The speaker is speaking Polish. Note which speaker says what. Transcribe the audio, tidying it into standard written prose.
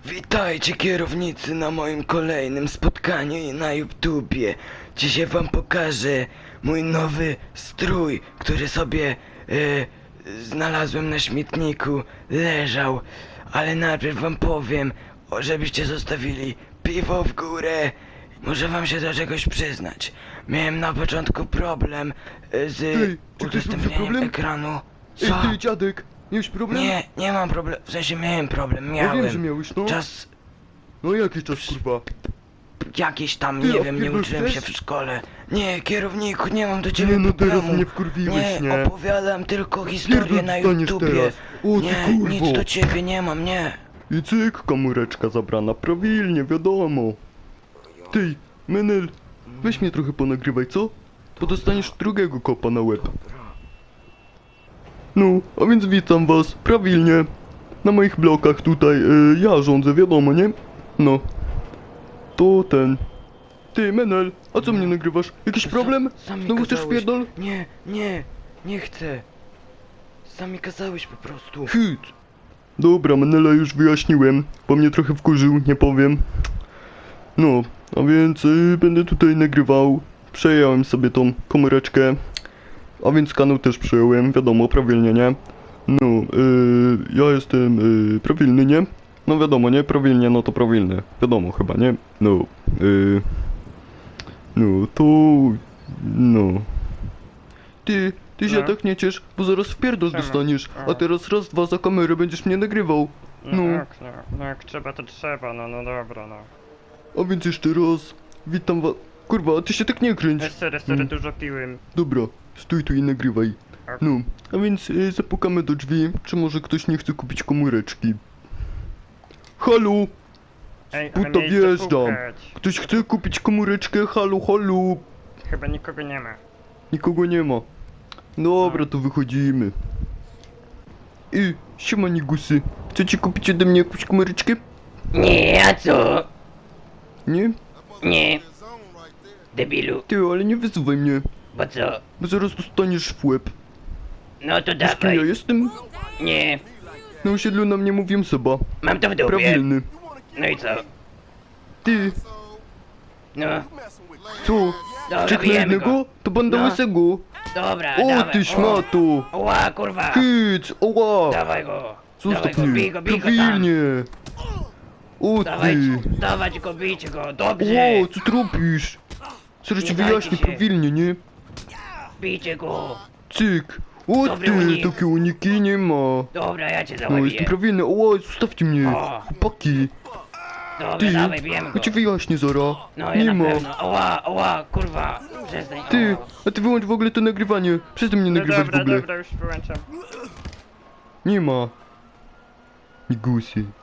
Speaker 1: Witajcie kierownicy na moim kolejnym spotkaniu na YouTubie. Dzisiaj wam pokażę mój nowy strój, który sobie znalazłem na śmietniku, leżał. Ale najpierw wam powiem, żebyście zostawili piwo w górę. Muszę wam się do czegoś przyznać. Miałem na początku problem z
Speaker 2: Ej, czy ktoś ma
Speaker 1: udostępnieniem
Speaker 2: problem?
Speaker 1: ekranu.
Speaker 2: Ej,
Speaker 1: Co?
Speaker 2: ty dziadek, miałeś problem?
Speaker 1: Nie mam problemu, w sensie miałem problem,
Speaker 2: No wiem, że
Speaker 1: miałem.
Speaker 2: miałeś, no.
Speaker 1: Czas
Speaker 2: No jaki czas, kurwa?
Speaker 1: jakiś tam,
Speaker 2: Ty,
Speaker 1: nie
Speaker 2: a
Speaker 1: wiem, nie
Speaker 2: pierdol
Speaker 1: uczyłem się
Speaker 2: chcesz?
Speaker 1: w szkole. Nie, kierowniku, nie mam do ciebie
Speaker 2: Nie, no teraz
Speaker 1: problemu.
Speaker 2: mnie wkurwiłeś, nie?
Speaker 1: Opowiadam tylko historię
Speaker 2: Pierdol
Speaker 1: na
Speaker 2: dostaniesz
Speaker 1: YouTubie.
Speaker 2: teraz. O, ty
Speaker 1: Nie,
Speaker 2: kurwo.
Speaker 1: nic do ciebie nie mam, nie.
Speaker 2: I cyk, komóreczka zabrana prawilnie, wiadomo. Ty, Menel, weź mnie trochę ponagrywaj, co? Bo dostaniesz drugiego kopa na łeb. No, a więc witam was, prawilnie. Na moich blokach tutaj, ja rządzę, wiadomo, nie? No. To ten. Ty, Menel, a co mnie nagrywasz? Jakiś problem?
Speaker 1: Sam mi
Speaker 2: Znowu chcesz
Speaker 1: kazałeś.
Speaker 2: pierdol?
Speaker 1: Nie chcę. Sam mi kazałeś po prostu.
Speaker 2: Hyt. Dobra, Menela już wyjaśniłem, bo mnie trochę wkurzył, nie powiem. No, a więc będę tutaj nagrywał. Przejąłem sobie tą komóreczkę. A więc kanał też przejąłem, wiadomo, prawilnie, nie? No, ja jestem prawilny, nie? No wiadomo, nie? Prawilnie, no to prawilny. Wiadomo chyba, nie? No, no to... No. Ty się
Speaker 3: No.
Speaker 2: tak nie ciesz, bo zaraz w pierdol
Speaker 3: Czemu?
Speaker 2: dostaniesz. A
Speaker 3: O.
Speaker 2: teraz raz, dwa za kamerę będziesz mnie nagrywał. No.
Speaker 3: No jak trzeba, to trzeba, no dobra, no.
Speaker 2: A więc jeszcze raz, witam was. Kurwa, a ty się tak nie kręć.
Speaker 3: Sorry, dużo piłem.
Speaker 2: Dobra, stój tu i nagrywaj. No, a więc zapukamy do drzwi, czy może ktoś nie chce kupić komóreczki. Halo,
Speaker 3: Ej,
Speaker 2: Puta,
Speaker 3: ale miejsce
Speaker 2: wjeżdżam.
Speaker 3: pukać.
Speaker 2: ktoś chce kupić komóreczkę? Halo, halo.
Speaker 3: Chyba nikogo nie ma.
Speaker 2: Nikogo nie ma. Dobra, to wychodzimy. Siema nigusy. Chcecie kupić ode mnie jakąś komóreczkę?
Speaker 1: Nie, a co?
Speaker 2: Nie?
Speaker 1: Nie. Debilu,
Speaker 2: Ty, ale nie wyzywaj mnie,
Speaker 1: bo co?
Speaker 2: bo zaraz dostaniesz w łeb.
Speaker 1: No to
Speaker 2: Wiesz kim ja jestem?
Speaker 1: Nie,
Speaker 2: Na osiedlu na mnie mówią Seba.
Speaker 1: mam to w dupie.
Speaker 2: Prawilny.
Speaker 1: No i co?
Speaker 2: Ty,
Speaker 1: No,
Speaker 2: co?
Speaker 1: dobra,
Speaker 2: Czek na
Speaker 1: bijemy
Speaker 2: jednego?
Speaker 1: go.
Speaker 2: To banda
Speaker 1: No.
Speaker 2: łysego.
Speaker 1: Dobra,
Speaker 2: O,
Speaker 1: dawaj.
Speaker 2: ty szmato.
Speaker 1: Ła, kurwa.
Speaker 2: Hyc, oła.
Speaker 1: Dawaj go.
Speaker 2: Zostaw
Speaker 1: Dawaj go,
Speaker 2: mnie.
Speaker 1: bij go tam.
Speaker 2: Prawilnie. O
Speaker 1: Dawaj,
Speaker 2: ty.
Speaker 1: dawać go, bijcie go, dobrze.
Speaker 2: Ło, co ty robisz? Zaraz
Speaker 1: Nie
Speaker 2: ci
Speaker 1: dajcie
Speaker 2: wyjaśnię
Speaker 1: się.
Speaker 2: prawilnie, nie?
Speaker 1: Bijcie go.
Speaker 2: Cyk. O
Speaker 1: Dobry
Speaker 2: ty,
Speaker 1: unik.
Speaker 2: takie uniki nie ma.
Speaker 1: Dobra, ja cię
Speaker 2: No, jestem
Speaker 1: załapię.
Speaker 2: prawilny. Oła, zostawcie mnie.
Speaker 1: O.
Speaker 2: Chłopaki.
Speaker 1: Dobra,
Speaker 2: Ty,
Speaker 1: dawaj, bijemy
Speaker 2: ja
Speaker 1: go.
Speaker 2: ci wyjaśnię zara.
Speaker 1: No,
Speaker 2: Nie
Speaker 1: ja
Speaker 2: ma.
Speaker 1: na pewno. Ła, kurwa. Przestań.
Speaker 2: Ty,
Speaker 1: O.
Speaker 2: a ty wyłącz w ogóle to nagrywanie. Przestań mnie
Speaker 3: No
Speaker 2: nagrywać w
Speaker 3: dobra,
Speaker 2: ogóle.
Speaker 3: dobra, już wyłączam.
Speaker 2: Nie ma. Migusy.